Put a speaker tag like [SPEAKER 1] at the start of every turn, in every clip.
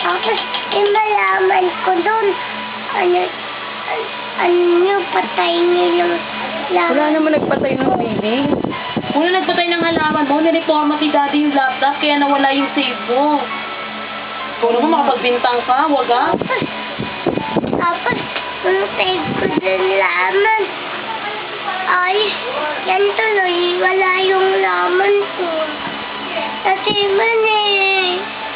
[SPEAKER 1] Tapos, malaman ko doon, ano, patay niyo yung laman.
[SPEAKER 2] Wala naman nagpatay ng baby.
[SPEAKER 3] Una nagpatay ng halaman mo, nireforma si daddy yung laptop, kaya nawala yung save mo. Kung naman makapagbintang ka, wag ah.
[SPEAKER 1] Tapos, yung save ko doon laman. Ay, yan tuloy, wala yung laman ko. Kasi eh.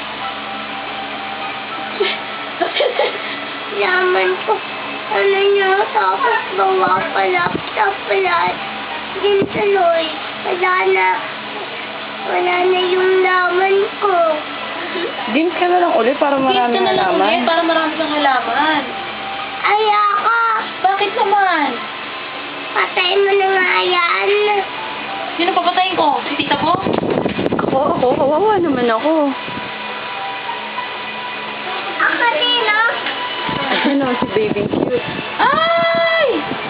[SPEAKER 1] Laman ko, ano niya, tapos bawa pa laptop pala. Yan tuloy, wala na yung laman ko.
[SPEAKER 2] Games ka na lang ulit para marami
[SPEAKER 3] Games ka na lang ulit,
[SPEAKER 2] halaman.
[SPEAKER 3] para marami kang halaman.
[SPEAKER 1] Ayoko,
[SPEAKER 3] Bakit naman?
[SPEAKER 1] patay mo na nga yan.
[SPEAKER 3] Sino papatayin ko? Si tita ko?
[SPEAKER 2] Ako, kawawa naman ako.
[SPEAKER 1] Ako din, no?
[SPEAKER 2] Ano, si baby cute.
[SPEAKER 3] Ay!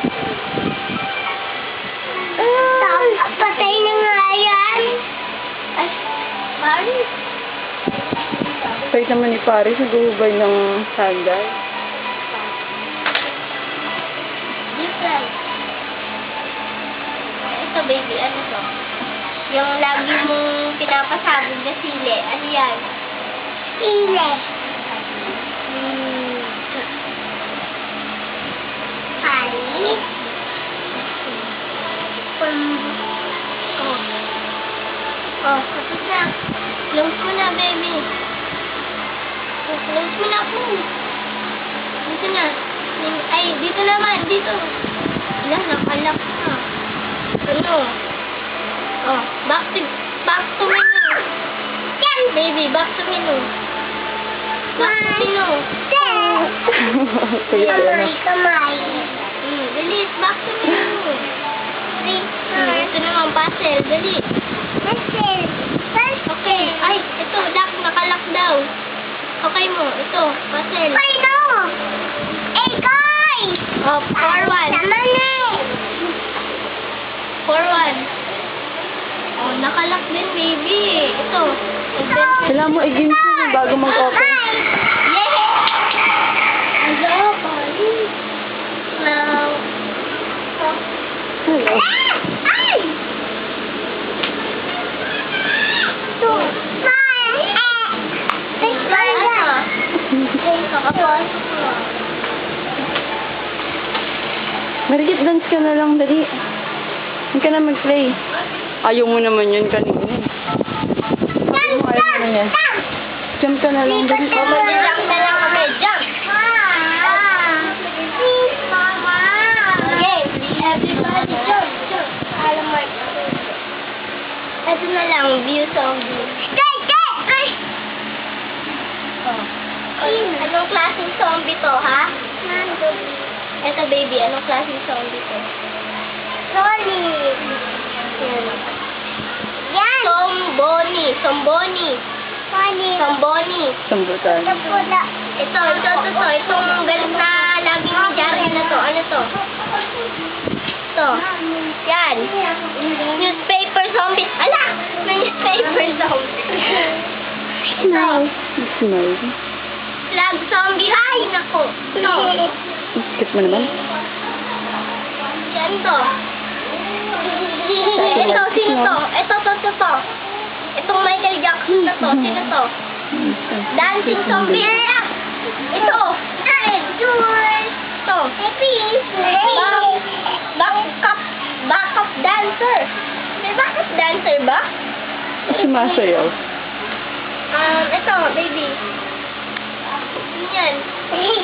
[SPEAKER 1] Tapos patay na nga yan. Ay, Mari.
[SPEAKER 2] Pahit naman ni Paris, nag-uhubay ng sandal.
[SPEAKER 1] Different. Ito, baby, ano to? Yung lagi mong pinapasabog na sili. Ano yan? Sili. Ay. Tapos na. Close mo na, baby. Close mo na po. Dito na. Ay, dito naman. Dito. Wala, nakalak na. Ano? Oh, back to menu. Yan! Baby, back to menu. Back to menu.
[SPEAKER 2] Kuya, ano?
[SPEAKER 1] Kamay. Dali, back to menu. Ito naman, puzzle. Dali. Puzzle. Okay. Ay, ito, nakalak daw. Okay mo, ito, puzzle. Ay, no! Guys! Oh, forward. Forward. Oh, nakalak din, baby. Ito.
[SPEAKER 2] Kailangan mo i-games mo bago mag-open.
[SPEAKER 1] Yeah! Hello, buddy. Now.
[SPEAKER 2] Hello.
[SPEAKER 1] Ay! Ito.
[SPEAKER 2] Marigit, dance ka na lang, dali. Huwag ka na mag-play. Ayaw mo naman yun kanina. Ayaw mo naman yan. Jump ka na lang, dali.
[SPEAKER 1] Jump na lang kami. Jump! Please, Mama. Okay, everybody jump. Alam mo. Ito na lang, view zombie. Ay! Anong klaseng zombie to, ha? Ito, baby, anong klaseng zombie to? Solid. Yan. Somboni.
[SPEAKER 2] Sambutan.
[SPEAKER 1] Ito. Itong galit na laging ni Jari na to. Ano to? Ito. Yan. Newspaper zombie. Ala! Newspaper zombie.
[SPEAKER 2] Smile. Smile.
[SPEAKER 1] Flag zombie. Ay, nako. Ito.
[SPEAKER 2] Skip mo naman.
[SPEAKER 1] Yan to. Ito, sino to? Ito. Itong Michael Jackson na to. Sino to? Dancing zombie. Ito. Ito. Backup dancer. May backup dancer ba?
[SPEAKER 2] Sumasayaw.
[SPEAKER 1] Ito, baby. Yan.